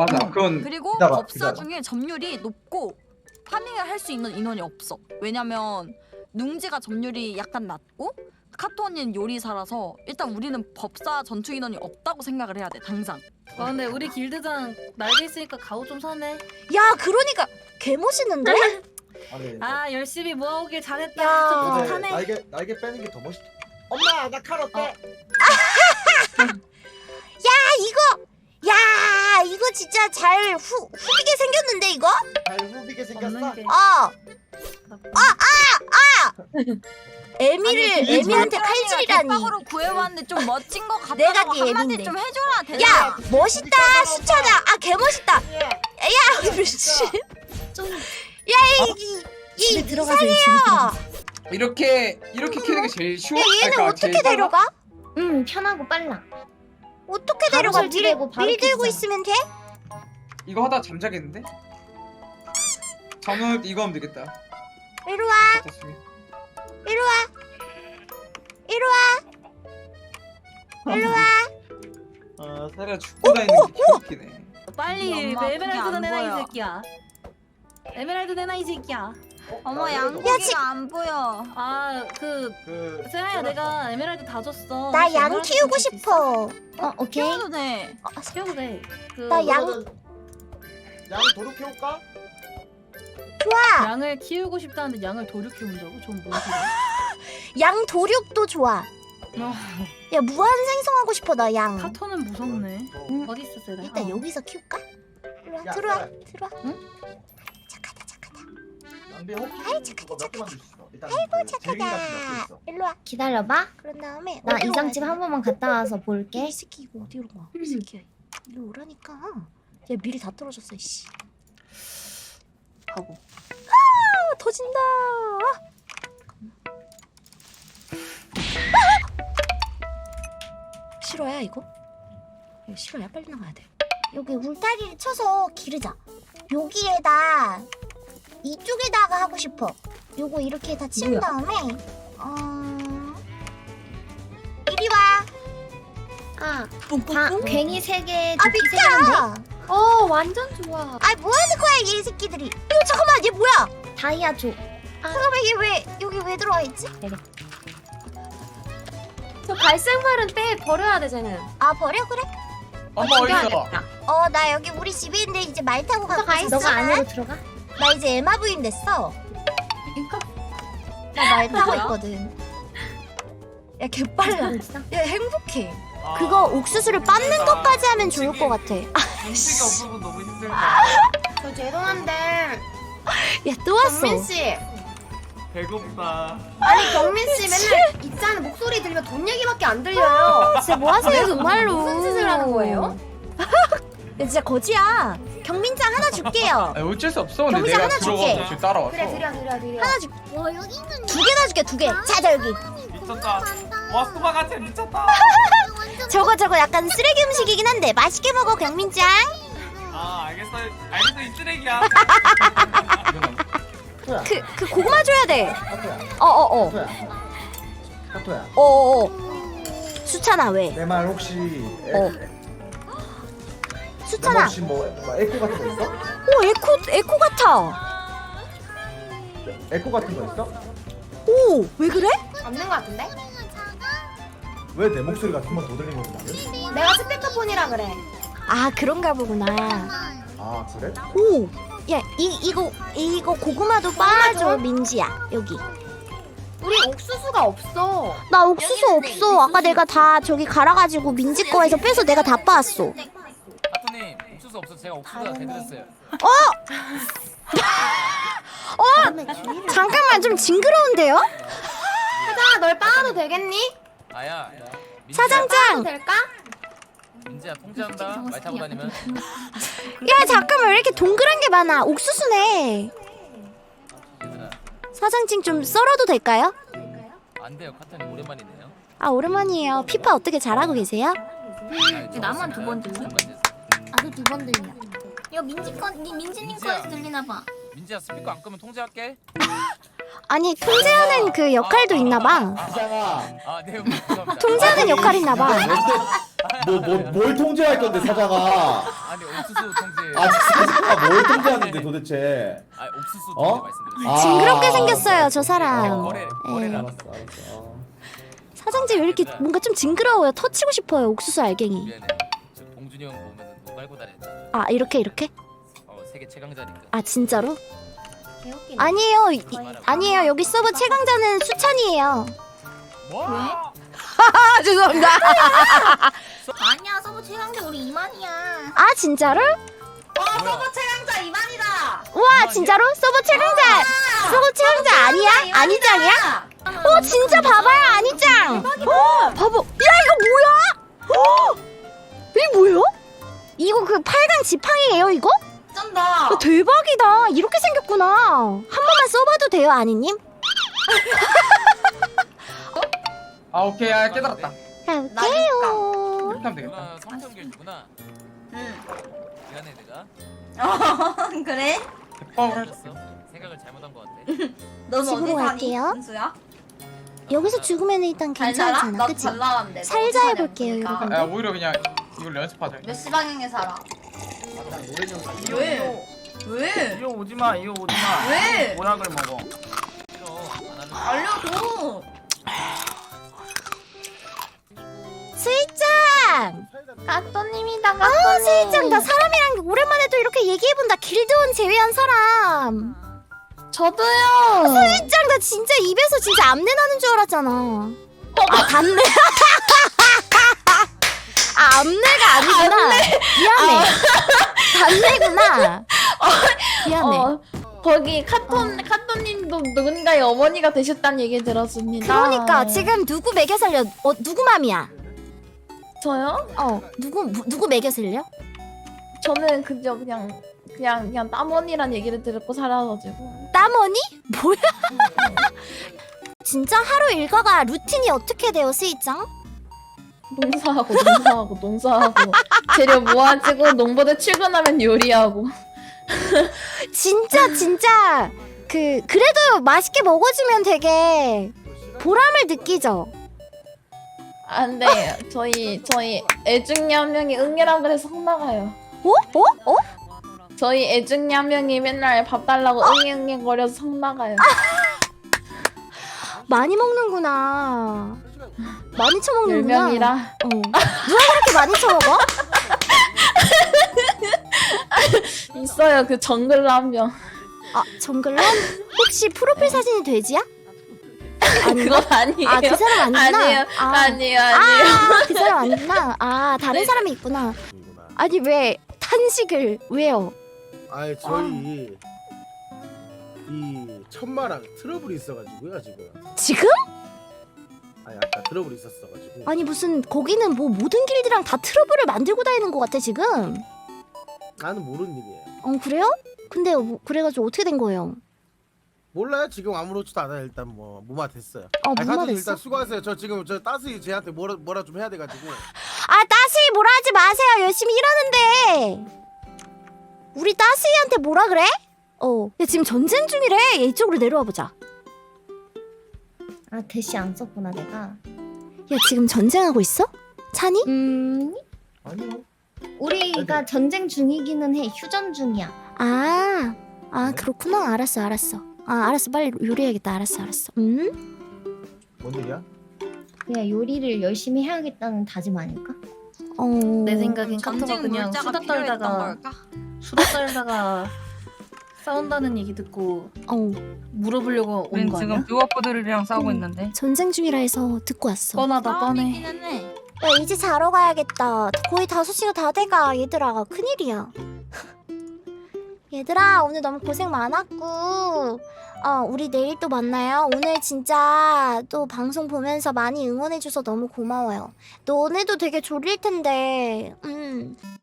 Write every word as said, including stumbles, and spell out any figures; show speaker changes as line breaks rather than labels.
맞아.
음.
그건
그리고
기다려,
법사
기다려.
중에 점유율이 높고 파밍을 할 수 있는 인원이 없어. 왜냐면 뭉지가 점유율이 약간 낮고 카토 언니는 요리사라서 일단 우리는 법사 전투 인원이 없다고 생각을 해야 돼 당장.
와 근데 우리 길드장 날개 있으니까 가오 좀 사네.
야 그러니까 개 멋있는데?
아니
아 열심히 모아오길 잘했다.
야.
좀
근데
뿌듯하네.
날개 날개 빼는 게 더 멋있다. 엄마 나 칼 어때?
야 이거 야 이거 진짜 잘 후, 후비게 생겼는데 이거?
잘 후비게 생겼어.
없는 게.
어
나쁘네.
에미를
아니,
에미한테
그
칼질이라니.
대박으로 구해왔는데 좀 멋진 거 같다고
내가 네
한마디
애미인데.
좀 해줘라 대박.
야 멋있다 수차다. 아 개 멋있다.
예.
야 미친.
좀
야이이 이
들어가세요. 집에 들어가세요.
이렇게 이렇게 키는 게 제일 쉬워.
야 얘는
그러니까
어떻게
제일 빨라?
데려가?
응 편하고 빨라.
어떻게
바로
데려가? 밀,
설치되고 바로
밀 들고
켜지잖아.
있으면 돼?
이거 하다 잠자겠는데? 잠은 이거 하면 되겠다.
이리 와
좋습니다.
이리 와 이리 와 이리 와.
아, 사리가 죽고 다니는 게 개웃기네.
빨리
엄마, 그게
에메랄드
안
내놔 이
보여.
새끼야. 에메랄드 내놔 이 새끼야.
어머
야,
양고기가
지-
안 보여.
아그
그
세라야 내가 에메랄드 다 줬어.
나
혹시
양
에메랄드
키우고
좀 줄수 있어?
싶어.
어 오케이.
키워도 돼.
어,
키워도 돼. 그
나 양-
양 도둑 해올까?
좋아.
양을 키우고 싶다는데 양을 도류 키운다고? 전 뭔 소리야?
양 도륙도 좋아. 야 무한 생성하고 싶어 나 양.
카토는 무섭네.
어.
어디 있어 세라?
일단
어.
여기서 키울까? 들어와
야,
들어와
야.
들어와.
응?
착하다 착하다.
남비 혹시
아이, 착하다,
그거 몇개 만들 수 있어? 일단
아이고
그 제일 같은 몇개
착하다.
있어?
일로 와.
기다려봐.
그런 다음에
나
어디로
이장집
와야
한 번만 갔다 와서
돼?
볼게.
이 새끼 이거 어디로 가? 이 새끼야. 일로 오라니까. 야 미리 다 떨어졌어 이씨.
가고.
아 터진다. 아! 싫어야 이거? 이거 싫어야 빨리 나가야 돼. 여기 울타리를 쳐서 기르자. 여기에다 이쪽에다가 하고 싶어. 요거 이렇게 다 치운
뭐야?
다음에 어 이리 와.
아 바, 괭이 세 개,
아
도끼 세 개면 돼?
비켜.
어 완전 좋아.
아 뭐하는 거야 얘 새끼들이. 이거 잠깐만 얘 뭐야?
다이아 줘.
잠깐만 얘 왜 여기 왜 들어와 있지?
저 갈색말은 빼 버려야 되잖아.
아 버려 그래?
엄마 어디서?
어 나 여기 우리 집에 있는데 이제 말 타고 가고
가
있어.
너가 안으로 들어가.
나 이제 에마 부인 됐어. 나 말 타고
뭐야?
있거든. 야 개빨라.
있어?
야 행복해.
아,
그거 옥수수를 빻는 것까지 하면 좋을 것 같아.
음식이 없어서 너무 힘들다.
저 죄송한데
야 또 왔어.
경민 씨.
배고프다.
아니 경민 씨 맨날 있잖아 목소리 들으면 돈 얘기밖에 안 들려요.
진짜 뭐 하세요 정말로.
무슨 짓을 하는 거예요?
야 진짜 거지야. 경민장 하나 줄게요.
아, 어쩔 수 없어. 근데
경비장
내가
하나 줄게.
들어가서 지금 따라왔어.
그래 드려 드려 드려.
하나 줄. 두 개나 줄게 두 개. 자자 여기.
미쳤다. 와 수박 같아 미쳤다.
저거 저거 약간 쓰레기 음식이긴 한데 맛있게 먹어 경민장.
아 알겠어 알겠어 이 쓰레기야.
카토야.
그 그 고구마 줘야 돼.
카토야.
어어 어.
카토야. 카토야.
어어 수찬아 왜?
내 말 혹시 에,
어.
내
수찬아.
말 혹시 뭐, 뭐 에코 같은 거 있어?
오 에코 에코 같아.
에코 같은 거 있어?
오 왜 그래?
없는 거 같은데?
왜 내 목소리가 한 번 더 들린 거지 나는?
내가 스피커폰이라 그래.
아 그런가 보구나.
아 그래?
오. 야 이 이거 이거 고구마도 빠져 민지야 여기.
우리 옥수수가 없어.
나 옥수수 없어. 아까 내가 다 저기 갈아가지고 민지 거에서 빼서 내가 다 빠았어.
아토님 옥수수 없어 제가 옥수수가 대드렸어요.
잠깐만 좀 징그러운데요?
혜정아 널 빠도 되겠니?
아야.
사장장.
될까?
민지야 통제한다. 말 타고 다니면.
야 잠깐만 왜 이렇게 동그란 게 많아? 옥수수네.
얘들아
사장증 좀 썰어도 될까요?
안 돼요 카타님 오랜만이네요.
아 오랜만이에요. 피파 어떻게 잘하고 계세요?
나만 두 번 들려?
나도 두 번 들려. 이거 민지 거, 니 민지님
민지야.
거에서 들리나 봐.
민지야 스피커 안 끄면 통제할게.
아니 통제하는 그 역할도 있나봐.
이상아.
아네 감사합니다.
통제하는 역할이 있나봐.
멘트 뭐 뭐 뭘 통제할 건데 사자가?
아니 옥수수 통제.
아 사자가 뭘 통제하는데 도대체?
아 옥수수
어?
통제 말씀드렸어요.
아,
징그럽게 생겼어요 저 사람.
거래
예.
거래라.
알았어 알았어. 어.
사장님 왜 이렇게 뭔가 좀 징그러워요. 터치고 싶어요 옥수수 알갱이.
미안해. 저 봉준이 형 보면은 눈 깔고 다녔는데.
아 이렇게 이렇게?
어 세계 최강자니까.
아 진짜로?
개웃기네.
아니에요 이, 아니에요 여기 서버 최강자는 수찬이에요.
뭐?
아 죄송합니다.
아니야 서브 최강자 우리 이만이야.
아 진짜로?
서버
최강자 이만이다.
와 진짜로? 서버 최강자 서버 최강자 아니야? 아니짱이야? 어 진짜 봐봐요 아니짱. 어 봐봐. 야 이거 뭐야? 어 이게 뭐예요? 이거 그 팔강 지팡이에요 이거?
쩐다.
야, 대박이다. 이렇게 생겼구나. 한 번만 써봐도 돼요 아니님?
아 오케이 아 깨달았다.
가볼게요.
이렇게 하면 되겠다.
누나 성평균이구나.
응.
미안해 내가.
그래?
대박을 할.
틀렸어. 생각을 잘못한 것 같아.
너는
집으로
어디 사니?
갈게요.
은수야?
여기서 죽으면 일단
잘 살아?
괜찮잖아
나도
그치?
잘 나왔는데.
살자 해볼게요,
그러니까.
여러분.
야 오히려 그냥 이걸 연습하자.
몇 시 방향에 살아?
왜?
왜?
이거 오지마 이거 오지마
왜?
모락을 먹어
싫어. 안 하는 거.
알려줘.
스이짱!
가또님이다
아
가또님.
스이짱 나 사람이랑 오랜만에 또 이렇게 얘기해본다. 길드원 제외한 사람.
저도요.
스이짱 나 진짜 입에서 진짜 암내 나는 줄 알았잖아. 아 담내. 아 암내가 아니구나. 미안해. 담내구나. 미안해.
어, 거기 카톤 카톤님도 누군가의 어머니가 되셨다는 얘기 들었습니다.
그러니까 지금 누구 매겨 살려? 어 누구 맘이야?
저요?
어 누구 무- 누구 매겨 살려?
저는 그저 그냥 그냥 그냥 땀언니란 얘기를 듣고 살아가지고
땀언니? 뭐야? 진짜 하루 일과가 루틴이 어떻게 돼요, 스이짱?
농사하고 농사하고 농사하고 재료 모아지고 농부대 출근하면 요리하고
진짜 진짜 그 그래도 맛있게 먹어주면 되게 보람을 느끼죠.
안돼 저희 저희 애 중에 한 명이 응애라 그래서 혼나가요.
어? 어? 어?
저희 애 중에 한 명이 맨날 밥 달라고 응애응애 거려서 성나가요.
많이 먹는구나. 많이
열
처먹는구나.
명이라
어. 누가 그렇게 많이 처먹어?
있어요 그 정글러 한 명.
아 정글러? 혹시 프로필 사진이 돼지야?
그건 아니에요.
아 그 사람 아니구나.
아니에요
아,
아니에요 아니에요.
아, 그 사람 아니구나. 아 다른
네.
사람이 있구나. 아니 왜 탄식을 왜요?
아니 저희 이 천마랑 트러블이 있어가지고요 지금.
지금?
아니 아까 트러블이 있었어가지고.
아니 무슨 거기는 뭐 모든 길드랑 다 트러블을 만들고 다니는 것 같아 지금.
나는 모르는 일이에요.
어 그래요? 근데 뭐, 그래가지고 어떻게 된 거예요?
몰라요 지금 아무렇지도 않아요. 일단 뭐 무마 됐어요.
어
아니,
무마
가족님
됐어?
일단 수고하세요. 저 지금 저 따스히 쟤한테 뭐라 뭐라 좀 해야 돼가지고.
아 따시 뭐라 하지 마세요. 열심히 일하는데. 우리 따시한테 뭐라 그래? 어. 야 지금 전쟁 중이래. 얘 이쪽으로 내려와 보자.
아 대시 안 썼구나 내가.
야 지금 전쟁하고 있어? 찬이?
음
아니요.
우리가 전쟁 중이기는 해. 휴전 중이야.
아, 아 그렇구나. 알았어, 알았어. 아 알았어. 빨리 요리해야겠다. 알았어, 알았어. 음?
뭔 얘기야?
그냥 요리를 열심히 해야겠다는 다짐 아닐까?
어.
내 생각엔 카토가
전쟁
그냥
물자가
수다
필요했던
떨다가
걸까?
수다 떨다가 싸운다는 얘기 듣고
어.
물어보려고 온
우린
거
지금
아니야?
듀오프들이랑 싸우고
음.
있는데
전쟁 중이라 해서 듣고 왔어.
뻔하다 뻔해.
싸움이기는 해.
야 이제 자러 가야겠다. 거의 다섯 시가 다 돼가. 얘들아 큰일이야. 얘들아 오늘 너무 고생 많았고 어 우리 내일 또 만나요. 오늘 진짜 또 방송 보면서 많이 응원해줘서 너무 고마워요. 너네도 되게 졸릴 텐데 음